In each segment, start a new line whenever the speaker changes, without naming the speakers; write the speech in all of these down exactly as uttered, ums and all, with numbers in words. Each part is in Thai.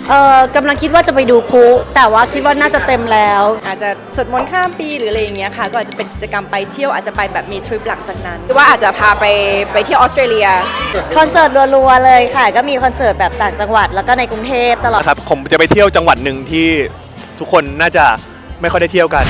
เออกำลังคิดว่าจะไปดูพลุแต่ว่าคิดว่าน่าจะเต็มแล้ว
อาจจะสวดมนต์ข้ามปีหรืออะไรอย่างเงี้ยค่ะก็อาจจะเป็นกิจกรรมไปเที่ยวอาจจะไปแบบมีทริปหลังจากนั้น
ว่าอาจจะพาไปไปเที่ยวออสเตรเลีย
คอนเสิร์ตรัวๆเลยค่ะก็มีคอนเสิร์ตแบบต่างจังหวัดแล้วก็ในกรุงเทพตลอด
ครับผมจะไปเที่ยวจังหวัดหนึ่งที่ทุกคนน่าจะไม่ค่อยได้เที่ยวกัน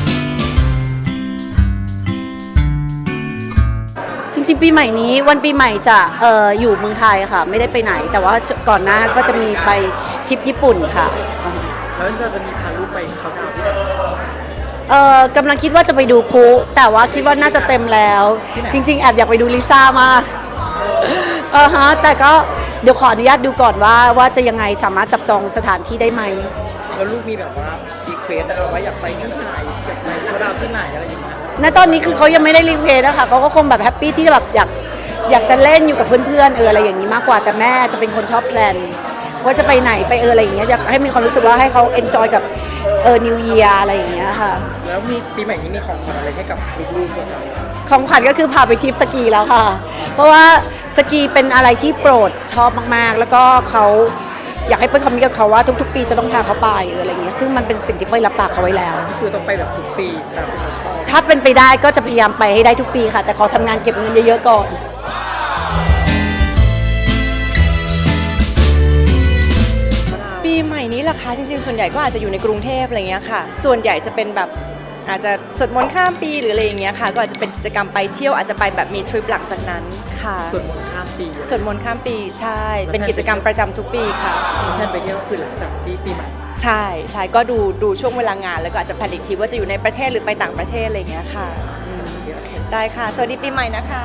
จริงๆปีใหม่นี้วันปีใหม่จะเอออยู่เมืองไทยค่ะไม่ได้ไปไหนแต่ว่าก่อนหน้าก็จะมีไปทริปญี่ปุ่นค่ะ
แล้วเราจะมีพาลูกไปเขาดาวน์ที่ไหน
เออกำลังคิดว่าจะไปดูพลุแต่ว่าคิดว่าน่าจะเต็มแล้วจริงๆแอบอยากไปดูลิซ่ามากเออฮะแต่ก็เดี๋ยวขออนุญาตดูก่อนว่าว่าจะยังไงสามารถจับจองสถานที่ได้ไหม
แล้วลูกมีแบบว่ารีเควสว่าอยากไปที่ไหนอยากไปเขาดาวน์ที่ไหนอะไรอย่างเงี้ย
ณตอนนี้คือเขายังไม่ได้รีเควสนะคะเขาก็คงแบบแฮปปี้ที่จะแบบอยากอยากจะเล่นอยู่กับเพื่อนๆเอออะไรอย่างนี้มากกว่าแต่แม่จะเป็นคนชอบแพลนว่าจะไปไหนไปเอออะไรอย่างเงี้ยอยากให้มีความรู้สึกว่าให้เขาเอนจอยกับเออนิวเยียร์อะไรอย่างเงี้ยค่ะ
แล้วมีปีใหม่นี้มีของขวัญอะไรให้กับลูกๆบ้าง
ของขวัญก็คือพาไปทริปสกีแล้วค่ะเพราะว่าสกีเป็นอะไรที่โปรดชอบมากๆแล้วก็เขาอยากให้เปิ้ลคำนี้กับเขาว่าทุกๆปีจะต้องพาเขาไปอะไรเงี้ยซึ่งมันเป็นสิ่งที่เปิ้ลรับปากเขาไว้แล้ว
คือต้องไปแบบทุกปีตามที่เขาชอบ
ถ้าเป็นไปได้ก็จะพยายามไปให้ได้ทุกปีค่ะแต่ขอทำงานเก็บเงินเยอะๆก่อน
ปีใหม่นี้ล่ะคะจริงๆส่วนใหญ่ก็อาจจะอยู่ในกรุงเทพอะไรเงี้ยค่ะส่วนใหญ่จะเป็นแบบอาจจะสวดมนต์ข้ามปีหรืออะไรอย่างเงี้ยค่ะก็อาจจะเป็นกิจกรรมไปเที่ยวอาจจะไปแบบมีทริปหลังจากนั้นค่ะ
สวดมนต์ข้ามปี
สวดมนต์ข้ามปีใช่เป็นกิจกรรมประจำทุกปีค่ะ
แทนไปเที่ยวคือหลังจากที่ปีใหม่
ใช่ใช่ก็ดูดูช่วงเวลางานแล้วก็อาจจะแพลนอีกทีว่าจะอยู่ในประเทศหรือไปต่างประเทศอะไรอย่างเงี้ยค่ะได้ค่ะสวัสดีปีใหม่นะคะ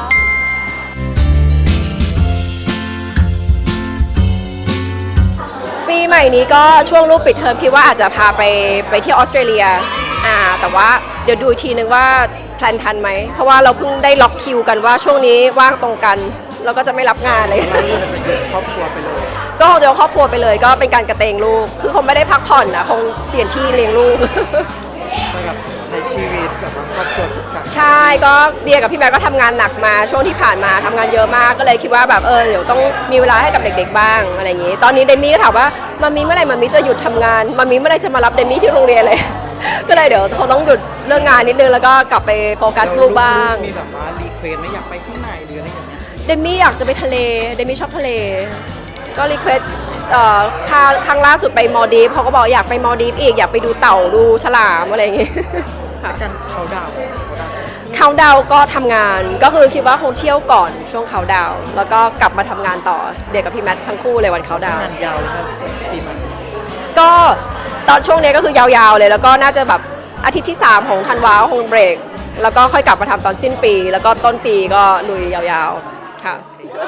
ปีใหม่นี้ก็ช่วงลูกปิดเทอมคิดว่าอาจจะพาไปไปเที่ยวออสเตรเลียอ่าแต่ว่าเดี๋ยวดูอีกทีนึงว่าแพลนทันไหมเพราะว่าเราเพิ่งได้ล็อกคิวกันว่าช่วงนี้ว่างตรงกันเราก็จะไม่รับงานเลย
เราจะอยู่ครอบครัวไปเลย
ก็คงจะครอบครัวไปเลยก็เป็นการกระเตงลูกคือคงไม่ได้พักผ่อนนะคงเปลี่ยนที่เลี้ยงลูก
ไปแบบใช้ชีวิตแบบว่าครอบครัวสุขสันต์
ใช่ก็เดียกับพี่แม่ก็ทำงานหนักมาช่วงที่ผ่านมาทำงานเยอะมากก็เลยคิดว่าแบบเออเดี๋ยวต้องมีเวลาให้กับเด็กๆบ้างอะไรอย่างนี้ตอนนี้เดมี่ก็ถามว่ามามีเมื่อไหร่มามีจะหยุดทำงานมามีเมื่อไหร่จะมารับเดมี่ที่โรงเรียนเลยก็เลยเดี๋ยวเขาต้องหยุดเรื่องงานนิดนึงแล้วก็กลับไปโฟกัสลูกบ้าง
มีแบบว่ารีเควสไม่อยากไปที่ไหนหรืออะไรอย่างเงี้ย
เดมี่อยากจะไปทะเลเดมี่ชอบทะเลก็รีเควสครั้งล่าสุดไปมอลดีฟเขาก็บอกอยากไปมอลดีฟอีกอยากไปดูเต่าดูฉลามอะไรอย่างงี้
การเขาดาว
เขาดาวก็ทำงานก็คือคิดว่าคงเที่ยวก่อนช่วงเขาดาวแล้วก็กลับมาทำงานต่อเด็กกับพี่แมททั้งคู่เลยวันเขาดาว
งานยาวครับปีใหม่
ก็ตอนช่วงนี้ก็คือยาวๆเลยแล้วก็น่าจะแบบอาทิตย์ที่สามของธันวาคงเบรกแล้วก็ค่อยกลับมาทำตอนสิ้นปีแล้วก็ต้นปีก็ลุยยาวๆค่ะ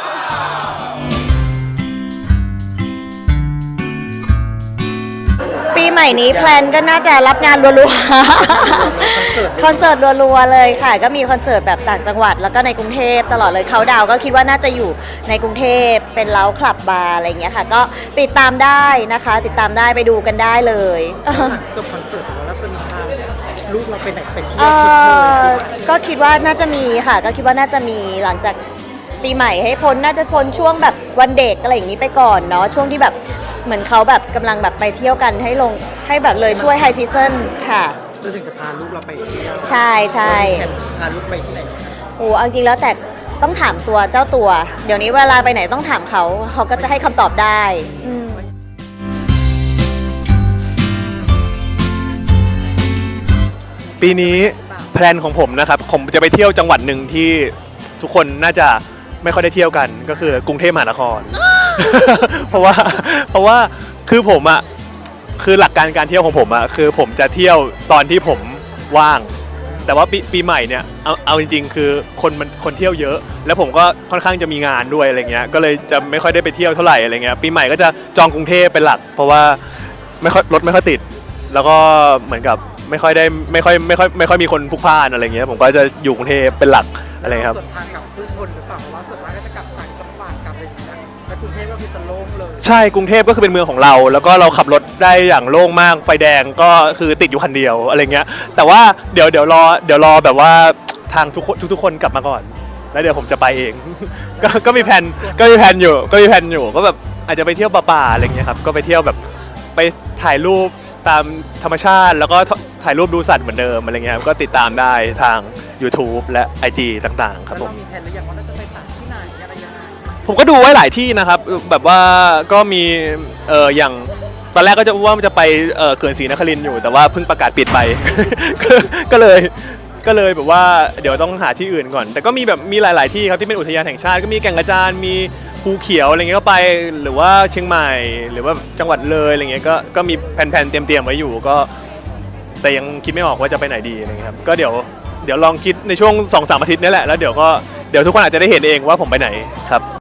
ปีใหม่นี้แพลนก็น่าจะรับงานรัวๆคอนเสิร์ตรัวๆเลยค่ะก็มีคอนเสิร์ตแบบต่างจังหวัดแล้วก็ในกรุงเทพตลอดเลยเขาดาวก็คิดว่าน่าจะอยู่ในกรุงเทพเป็นเล้าคลับบาร์อะไรอย่างเงี้ยค่ะก็ติดตามได้นะคะติดตามได้ไปดูกันได้เลย
จบคอนเสิร์ตแล้วจะมีพาลูกเราไปไหนไปเที่ยว
ก็คิดว่าน่าจะมีค่ะก็คิดว่าน่าจะมีหลังจากปีใหม่ให้พ้นน่าจะพ้นช่วงแบบวันเด็กอะไรอย่างนี้ไปก่อนเนาะช่วงที่แบบเหมือนเขาแบบกำลังแบบไปเที่ยวกันให้ลงให้แบบเลยช่วยไฮซีซั่นค่ะ
จะถึงจะพาลูกเราไปเที่ยว
ใช่ใช่
พาลูกไปที่ไหน
โอ้จริงแล้วแต่ต้องถามตัวเจ้าตัวเดี๋ยวนี้เวลาไปไหนต้องถามเขาเขาก็จะให้คำตอบได้
ปีนี้แพลนของผมนะครับผมจะไปเที่ยวจังหวัดหนึ่งที่ทุกคนน่าจะไม่ค่อยได้เที่ยวกันก็คือกรุงเทพมหานคร เพราะว่าเพราะว่าคือผมอ่ะคือหลักการการเที่ยวของผมอ่ะคือผมจะเที่ยวตอนที่ผมว่างแต่ว่าปีปีใหม่เนี่ยเอาเอาจริงๆคือคนมันคนเที่ยวเยอะแล้วผมก็ค่อนข้างจะมีงานด้วยอะไรเงี้ยก็เลยจะไม่ค่อยได้ไปเที่ยวเท่าไหร่อะไรเงี้ยปีใหม่ก็จะจองกรุงเทพเป็นหลักเพราะว่าไม่ค่อยรถไม่ค่อยติดแล้วก็เหมือนกับไม่ค่อยได้ไม่ค่อยไม่ค่อยไม่ค่อยมีคนพลุกพล่านอะไรเงี้ยผมก็จะอยู่กรุงเทพเป็นหลักอะไรครับ
ส่วนทางกลับทุกคนหรือเปล่าเพราะว่าส่วนมากก็จะกลับต่างจังหวัดกลับอะไรอย่างเงี้ยแต่กรุงเทพก็คือจะโล่งเลย
ใช่กรุงเทพก็คือเป็นเมืองของเราแล้วก็เราขับรถได้อย่างโล่งมากไฟแดงก็คือติดอยู่คันเดียวอะไรเงี้ยแต่ว่าเดี๋ยวเดี๋ยวรอเดี๋ยวรอแบบว่าทางทุกคนทุกๆคนกลับมาก่อนแล้วเดี๋ยวผมจะไปเองก็ก็มีแผนก็มีแผนอยู่ก็มีแผนอยู่ก็แบบอาจจะไปเที่ยวป่าๆอะไรเงี้ยครับก็ไปเที่ยวแบบไปถ่ายรูปตามธรรมชาติ แล้วก็ถ่ายรูปดูสัตว์เหมือนเดิมอะไรเงี้ยครับก็ติดตามได้ทาง YouTube และ ไอ จี ต่างๆครับผม
แล้วเามีแผนหรือยังว่าเราจะไปตัดที่ไหนอะไรยังไง
ผมก็ดูไว้หลายที่นะครับแบบว่าก็มีเอออย่างตอนแรกก็จะว่ามันจะไปเออเขื่อนศรีนครินทร์อยู่แต่ว่าเพิ่งประกาศปิดไป ก็ก็เลยก็เลยแบบว่าเดี๋ยวต้องหาที่อื่นก่อน แต่ก็มีแบบมีหลาย ๆที่ครับที่เป็นอุทยานแห่งชาติก็มีแก่งกระจานมีภูเขียวอะไรเงี้ยก็ไปหรือว่าเชียงใหม่หรือว่าจังหวัดเลยอะไรเงี้ยก็ก็มีแผนๆเตรียมๆไว้อยู่ก็แต่ยังคิดไม่ออกว่าจะไปไหนดีอะไรเงี้ยครับก็เดี๋ยวเดี๋ยวลองคิดในช่วง สองสาม อาทิตย์นี้แหละแล้วเดี๋ยวก็เดี๋ยวทุกคนอาจจะได้เห็นเองว่าผมไปไหนครับ